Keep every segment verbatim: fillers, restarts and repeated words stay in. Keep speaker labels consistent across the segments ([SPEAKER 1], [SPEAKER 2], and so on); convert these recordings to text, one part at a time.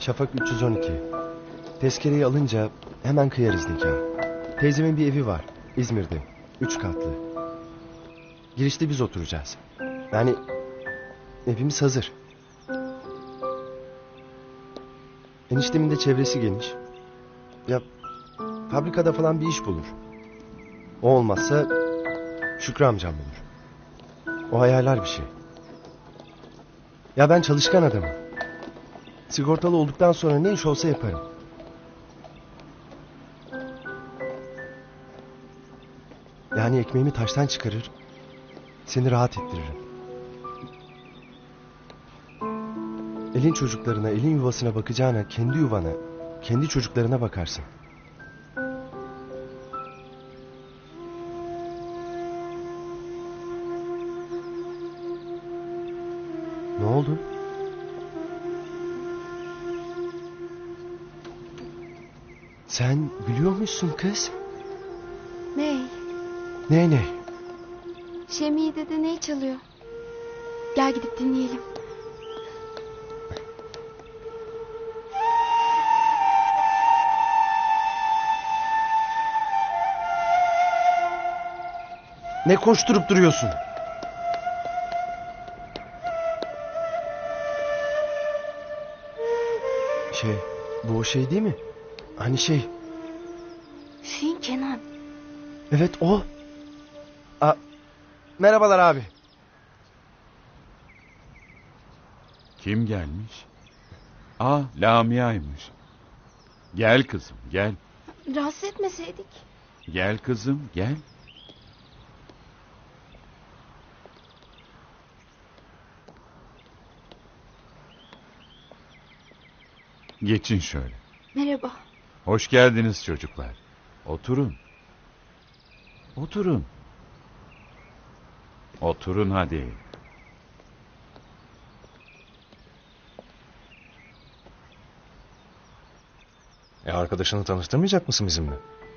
[SPEAKER 1] Şafak üç yüz on iki. Tezkereyi alınca hemen kıyarız nikah. Teyzemin bir evi var İzmir'de. Üç katlı. Girişte biz oturacağız. Yani evimiz hazır. Eniştemin de çevresi geniş. Ya fabrikada falan bir iş bulur. O olmazsa Şükrü amcam bulur. O ayarlar bir şey. Ya ben çalışkan adamım. Sigortalı olduktan sonra ne iş olsa yaparım. Yani ekmeğimi taştan çıkarır, seni rahat ettiririm. Elin çocuklarına, elin yuvasına bakacağına kendi yuvana, kendi çocuklarına bakarsın. Ne oldu? Sen gülüyormuşsun kız.
[SPEAKER 2] Ney?
[SPEAKER 1] Ne ne?
[SPEAKER 2] Şemiye dede ney çalıyor? Gel gidip dinleyelim.
[SPEAKER 1] Ne koşturup duruyorsun? Şey, bu o şey değil mi? Hani şey,
[SPEAKER 2] Hüseyin Kenan.
[SPEAKER 1] evet o. A, merhabalar abi.
[SPEAKER 3] Kim gelmiş? Aa, Lamia'ymış. Gel kızım, gel.
[SPEAKER 2] Rahatsız etmeseydik.
[SPEAKER 3] Gel kızım, gel. Geçin şöyle.
[SPEAKER 2] Merhaba.
[SPEAKER 3] Hoş geldiniz çocuklar. Oturun. Oturun. Oturun hadi.
[SPEAKER 4] E arkadaşını tanıştırmayacak mısın bizimle?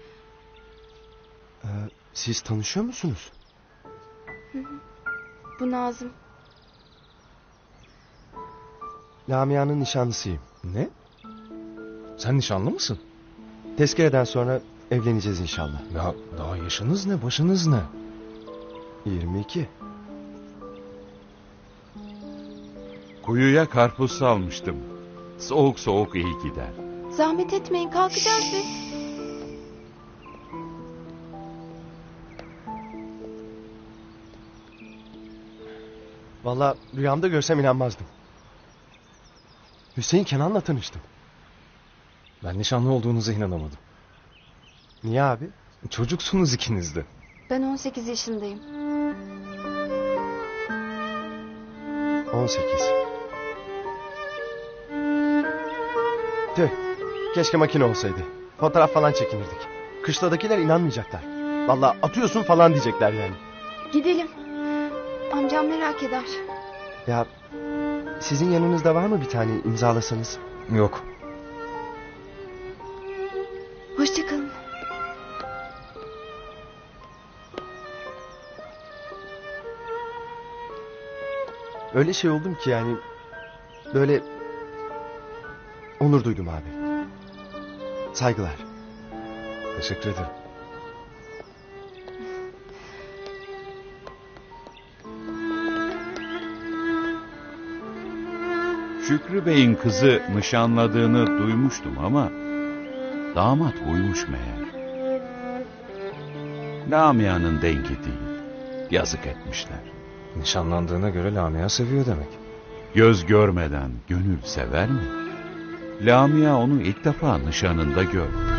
[SPEAKER 1] Ee, siz tanışıyor musunuz?
[SPEAKER 2] Bu Nazım.
[SPEAKER 1] Lamia'nın nişanlısıyım.
[SPEAKER 4] Ne? Sen nişanlı mısın?
[SPEAKER 1] Tezkereden sonra evleneceğiz inşallah.
[SPEAKER 4] Ya daha yaşınız ne, başınız ne?
[SPEAKER 1] yirmi iki.
[SPEAKER 3] Kuyuya karpuz salmıştım. Soğuk soğuk iyi gider.
[SPEAKER 2] Zahmet etmeyin, kalkacağız biz.
[SPEAKER 1] Vallahi rüyamda görsem inanmazdım. Hüseyin Kenan'la tanıştım.
[SPEAKER 4] Ben nişanlı olduğunuza inanamadım.
[SPEAKER 1] Niye abi?
[SPEAKER 4] Çocuksunuz ikiniz de.
[SPEAKER 2] Ben on sekiz yaşındayım.
[SPEAKER 1] on sekiz. Tüh. Keşke makine olsaydı. Fotoğraf falan çekinirdik. Kışladakiler inanmayacaklar. Vallahi atıyorsun falan diyecekler yani.
[SPEAKER 2] Gidelim. Amcam merak eder.
[SPEAKER 1] Ya sizin yanınızda var mı bir tane imzalasanız?
[SPEAKER 4] Yok.
[SPEAKER 2] Hoşçakalın.
[SPEAKER 1] Öyle şey oldum ki yani böyle onur duydum abi. Saygılar.
[SPEAKER 4] Teşekkür ederim.
[SPEAKER 3] Şükrü Bey'in kızı nişanladığını duymuştum ama damat buymuş meğer. Lamia'nın dengi değil. Yazık etmişler.
[SPEAKER 4] Nişanlandığına göre Lamia seviyor demek.
[SPEAKER 3] Göz görmeden gönül sever mi? Lamia onu ilk defa nişanında gördü.